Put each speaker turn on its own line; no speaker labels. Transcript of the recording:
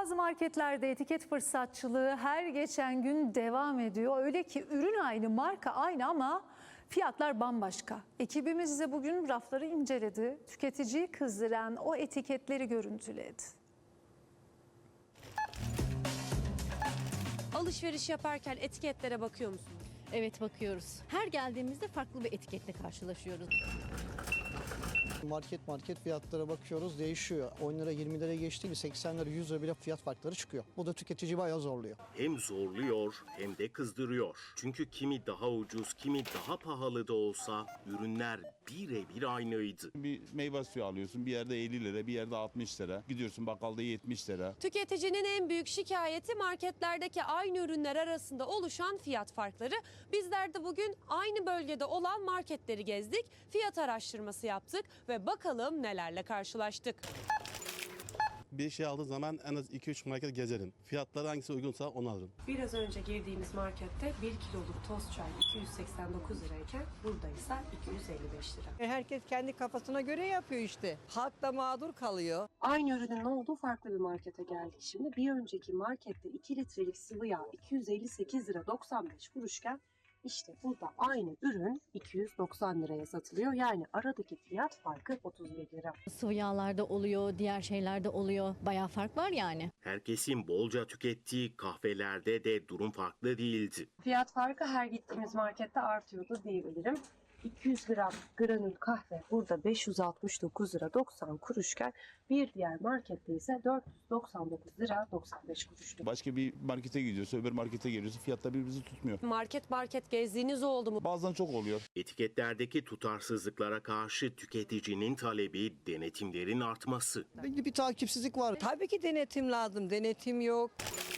Bazı marketlerde etiket fırsatçılığı her geçen gün devam ediyor. Öyle ki ürün aynı, marka aynı ama fiyatlar bambaşka. Ekibimiz ise bugün rafları inceledi. Tüketiciyi kızdıran o etiketleri görüntüledi.
Alışveriş yaparken etiketlere bakıyor musunuz?
Evet, bakıyoruz. Her geldiğimizde farklı bir etiketle karşılaşıyoruz.
Market fiyatlara bakıyoruz, değişiyor. 10 lira 20 lira geçti, 80 lira 100 lira bile fiyat farkları çıkıyor. Bu da tüketici bayağı zorluyor.
Hem zorluyor hem de kızdırıyor. Çünkü kimi daha ucuz, kimi daha pahalı da olsa ürünler birebir aynıydı.
Bir meyve suyu alıyorsun, bir yerde 50 lira, bir yerde 60 lira. Gidiyorsun bakkalda 70 lira.
Tüketicinin en büyük şikayeti marketlerdeki aynı ürünler arasında oluşan fiyat farkları. Bizler de bugün aynı bölgede olan marketleri gezdik, fiyat araştırması yaptık ve bakalım nelerle karşılaştık.
Bir şey aldığı zaman en az 2-3 market gezerim. Fiyatları hangisi uygunsa onu alırım.
Biraz önce girdiğimiz markette 1 kiloluk toz çay 289 lirayken burada ise 255 lira.
Herkes kendi kafasına göre yapıyor işte. Halk da mağdur kalıyor.
Aynı ürünün olduğu farklı bir markete geldik şimdi. Bir önceki markette 2 litrelik sıvı yağ 258 lira 95 kuruşken işte burada aynı ürün 290 liraya satılıyor. Yani aradaki fiyat farkı 31 lira.
Sıvı yağlarda oluyor, diğer şeylerde oluyor. Bayağı fark var yani.
Herkesin bolca tükettiği kahvelerde de durum farklı değildi.
Fiyat farkı her gittiğimiz markette artıyordu diyebilirim. 200 gram granül kahve burada 569 lira 90 kuruşken bir diğer markette ise 499 lira 95 kuruştu.
Başka bir markete gidiyorsun, öbür markete geliyorsun, fiyatlar birbirimizi tutmuyor.
Market gezdiğiniz oldu mu?
Bazen çok oluyor.
Etiketlerdeki tutarsızlıklara karşı tüketicinin talebi denetimlerin artması.
Belli bir takipsizlik var.
Tabii ki denetim lazım. Denetim yok.